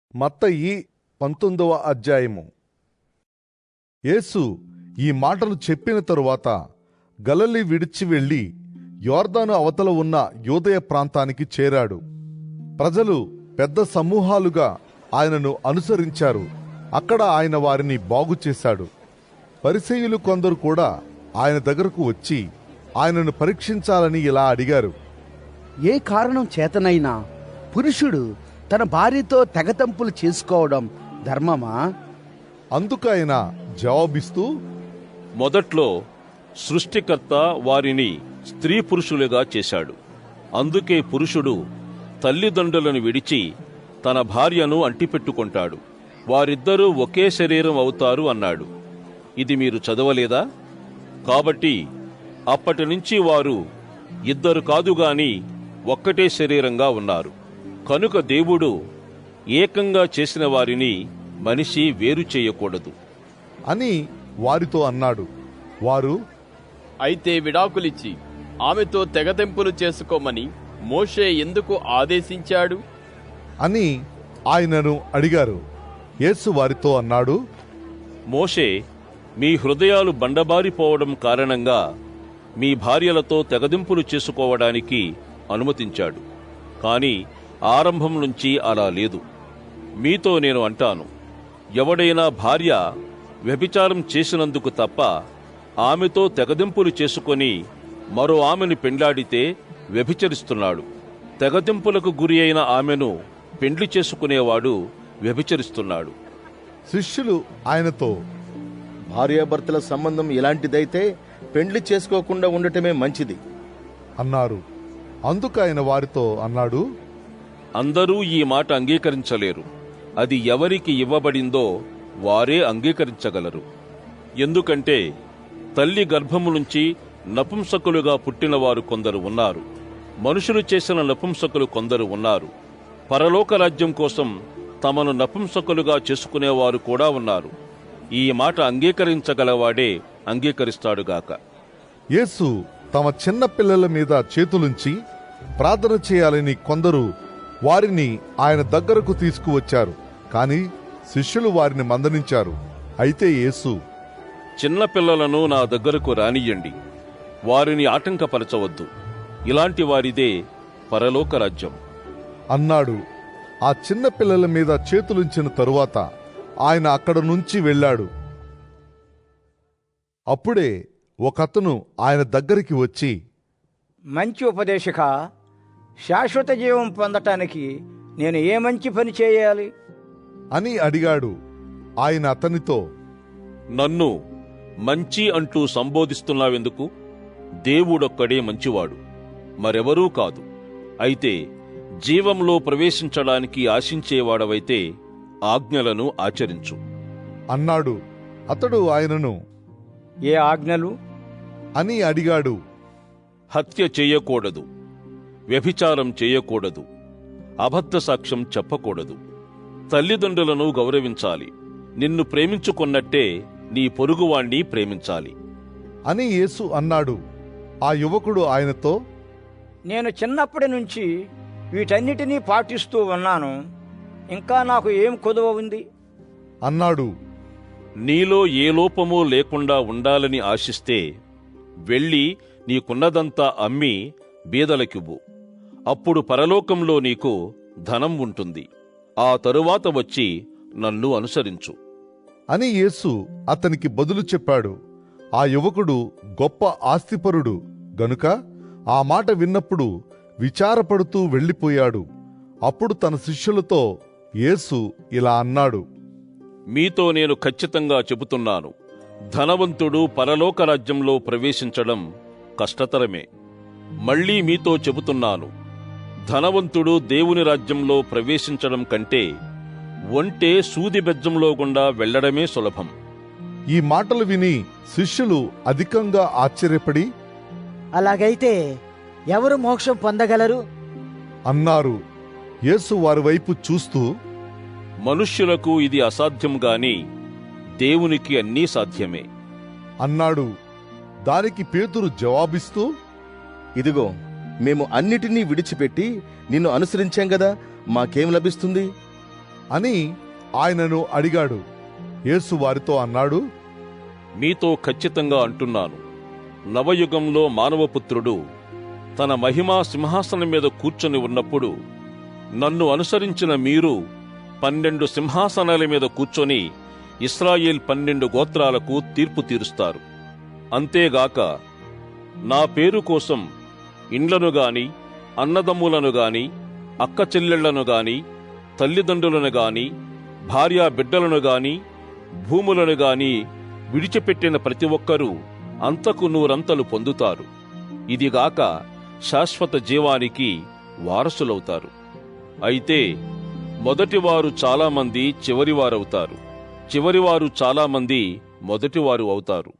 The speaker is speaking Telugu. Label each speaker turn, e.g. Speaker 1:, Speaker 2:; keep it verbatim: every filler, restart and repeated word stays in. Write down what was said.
Speaker 1: మత్తయి పంతొమ్మిదవ అధ్యాయము. యేసు ఈ మాటలు చెప్పిన తరువాత గలిలయ విడిచి వెళ్లి యోర్దాను అవతల ఉన్న యూదయ ప్రాంతానికి చేరాడు. ప్రజలు పెద్ద సమూహాలుగా ఆయనను అనుసరించారు. అక్కడ ఆయన వారిని బాగు చేశాడు. పరిసయ్యులు కొందరు కూడా ఆయన దగ్గరకు వచ్చి ఆయనను పరీక్షించాలని ఇలా అడిగారు:
Speaker 2: ఏ కారణం చేతనైనా పురుషుడు తన భార్యతో తెగతంపులు చేసుకోవడం ధర్మమా?
Speaker 1: అందుకైన జవాబిస్తూ,
Speaker 3: మొదట్లో సృష్టికర్త వారిని స్త్రీ పురుషులుగా చేశాడు. అందుకే పురుషుడు తల్లిదండ్రులను విడిచి తన భార్యను అంటిపెట్టుకుంటాడు, వారిద్దరూ ఒకే శరీరం అవుతారు అన్నాడు. ఇది మీరు చదవలేదా? కాబట్టి అప్పటి నుంచి వారు ఇద్దరు కాదుగాని ఒక్కటే శరీరంగా ఉన్నారు. కనుక దేవుడు ఏకంగా చేసిన వారిని మనిషి వేరు చేయకూడదు
Speaker 1: అని వారితో అన్నాడు. వారు,
Speaker 4: అయితే విడాకులిచ్చి ఆమెతో తెగతెంపులు చేసుకోమని మోషే ఎందుకు ఆదేశించాడు
Speaker 1: అని ఆయనను అడిగారు. యేసు వారితో అన్నాడు:
Speaker 3: మోషే మీ హృదయాలు బండబారిపోవడం కారణంగా మీ భార్యలతో తెగదింపులు చేసుకోవడానికి అనుమతించాడు. కాని ఆరంభం నుంచి అలా లేదు. మీతో నేను అంటాను, ఎవడైనా భార్య వ్యభిచారం చేసినందుకు తప్ప ఆమెతో తెగదింపులు చేసుకొని మరో ఆమెను పెండ్లాడితే వ్యభిచరిస్తున్నాడు. తెగదింపులకు గురి అయిన ఆమెను పెండ్లి చేసుకునేవాడు వ్యభిచరిస్తున్నాడు.
Speaker 1: శిష్యులు ఆయనతో,
Speaker 5: భార్యాభర్తల సంబంధం ఇలాంటిదైతే పెండ్లి చేసుకోకుండా ఉండటమే మంచిది
Speaker 1: అన్నారు. అందుకు ఆయన వారితో అన్నాడు:
Speaker 3: అందరూ ఈ మాట అంగీకరించలేరు. అది ఎవరికి ఇవ్వబడిందో వారే అంగీకరించగలరు. ఎందుకంటే తల్లి గర్భము నుంచి నపుంసకులుగా పుట్టినవారు కొందరు ఉన్నారు, మనుషులు చేసిన నపుంసకులు కొందరు ఉన్నారు, పరలోక రాజ్యం కోసం తమను నపుంసకులుగా చేసుకునేవారు కూడా ఉన్నారు. ఈ మాట అంగీకరించగలవాడే అంగీకరిస్తాడుగాక.
Speaker 1: యేసు తమ చిన్న పిల్లల మీద చేతులుంచి ప్రార్థన చేయాలని కొందరు వారిని ఆయన దగ్గరకు తీసుకువచ్చారు. కాని శిష్యులు వారిని మందలించారు. అయితే యేసు,
Speaker 3: చిన్న పిల్లలను నా దగ్గరకు రానియ్యండి, వారిని ఆటంకపరచవద్దు, ఇలాంటి వారిదే పరలోక రాజ్యం
Speaker 1: అన్నాడు. ఆ చిన్న పిల్లల మీద చేతులుంచిన తరువాత ఆయన అక్కడ నుంచి వెళ్ళాడు. అప్పుడే ఒకతను ఆయన దగ్గరికి వచ్చి,
Speaker 6: మంచి ఉపదేశక, శాశ్వత జీవం పొందటానికి నేను ఏ మంచి పని చేయాలి
Speaker 1: అని అడిగాడు. ఆయన అతనితో,
Speaker 3: నన్ను మంచి అంటూ సంబోధిస్తున్నావెందుకు? దేవుడొక్కడే మంచివాడు, మరెవరూ కాదు. అయితే జీవంలో ప్రవేశించడానికి ఆశించేవాడవైతే ఆజ్ఞలను ఆచరించు
Speaker 1: అన్నాడు. అతడు ఆయనను,
Speaker 6: ఏ ఆజ్ఞలు
Speaker 1: అని అడిగాడు.
Speaker 3: హత్య చేయకూడదు, వ్యభిచారం చేయకూడదు, అబద్ధ సాక్ష్యం చెప్పకూడదు, తల్లిదండ్రులను గౌరవించాలి, నిన్ను ప్రేమించుకున్నట్టే నీ పొరుగువాణ్ణి ప్రేమించాలి
Speaker 1: అని యేసు అన్నాడు. ఆ యువకుడు ఆయనతో,
Speaker 6: నేను చిన్నప్పటి నుంచి వీటన్నిటినీ పాటిస్తూ ఉన్నాను, ఇంకా నాకు ఏం కొదువ ఉంది
Speaker 1: అన్నాడు.
Speaker 3: నీలో ఏ లోపమూ లేకుండా ఉండాలని ఆశిస్తే వెళ్ళి నీకున్నదంతా అమ్మి బీదలకివ్వు, అప్పుడు పరలోకంలో నీకు ధనం ఉంటుంది. ఆ తరువాత వచ్చి నన్ను అనుసరించు
Speaker 1: అని యేసు అతనికి బదులు చెప్పాడు. ఆ యువకుడు గొప్ప ఆస్తిపరుడు గనుక ఆ మాట విన్నప్పుడు విచారపడుతూ వెళ్ళిపోయాడు. అప్పుడు తన శిష్యులతో యేసు ఇలా అన్నాడు:
Speaker 3: మీతో నేను ఖచ్చితంగా చెబుతున్నాను, ధనవంతుడు పరలోక రాజ్యంలో ప్రవేశించడం కష్టతరమే. మళ్లీ మీతో చెబుతున్నాను, ధనవంతుడు దేవుని రాజ్యంలో ప్రవేశించడం కంటే ఒంటె సూది బెజ్జంలో గుండా వెళ్లడమే సులభం.
Speaker 1: ఈ మాటలు విని శిష్యులు అధికంగా ఆశ్చర్యపడి,
Speaker 7: అలాగైతే ఎవరు మోక్షం పొందగలరు
Speaker 1: అన్నారు. యేసు వారి వైపు చూస్తూ,
Speaker 3: మనుష్యులకు ఇది అసాధ్యం గాని దేవునికి అన్నీ సాధ్యమే
Speaker 1: అన్నాడు. దానికి పేతురు జవాబిస్తూ,
Speaker 5: ఇదిగో, మేము అన్నిటినీ విడిచిపెట్టి నిన్ను అనుసరించాం గదా, మాకేం లభిస్తుంది
Speaker 1: అని ఆయనను అడిగాడు. యేసు వారితో అన్నాడు,
Speaker 3: మీతో ఖచ్చితంగా అంటున్నాను, నవయుగంలో మానవపుత్రుడు తన మహిమా సింహాసనం మీద కూర్చొని ఉన్నప్పుడు నన్ను అనుసరించిన మీరు పన్నెండు సింహాసనాల మీద కూర్చొని ఇశ్రాయేల్ పన్నెండు గోత్రాలకు తీర్పు తీరుస్తారు. అంతేగాక నా పేరు కోసం ఇండ్లను గాని, అన్నదమ్ములను గాని, అక్క చెల్లెళ్లను గాని, తల్లిదండ్రులను గాని, భార్యా బిడ్డలను గాని, భూములను గాని విడిచిపెట్టిన ప్రతి ఒక్కరూ అంతకు నూరంతలు పొందుతారు. ఇదిగాక శాశ్వత జీవానికి వారసులవుతారు. అయితే మొదటివారు చాలామంది చివరివారవుతారు, చివరివారు చాలామంది మొదటివారు అవుతారు.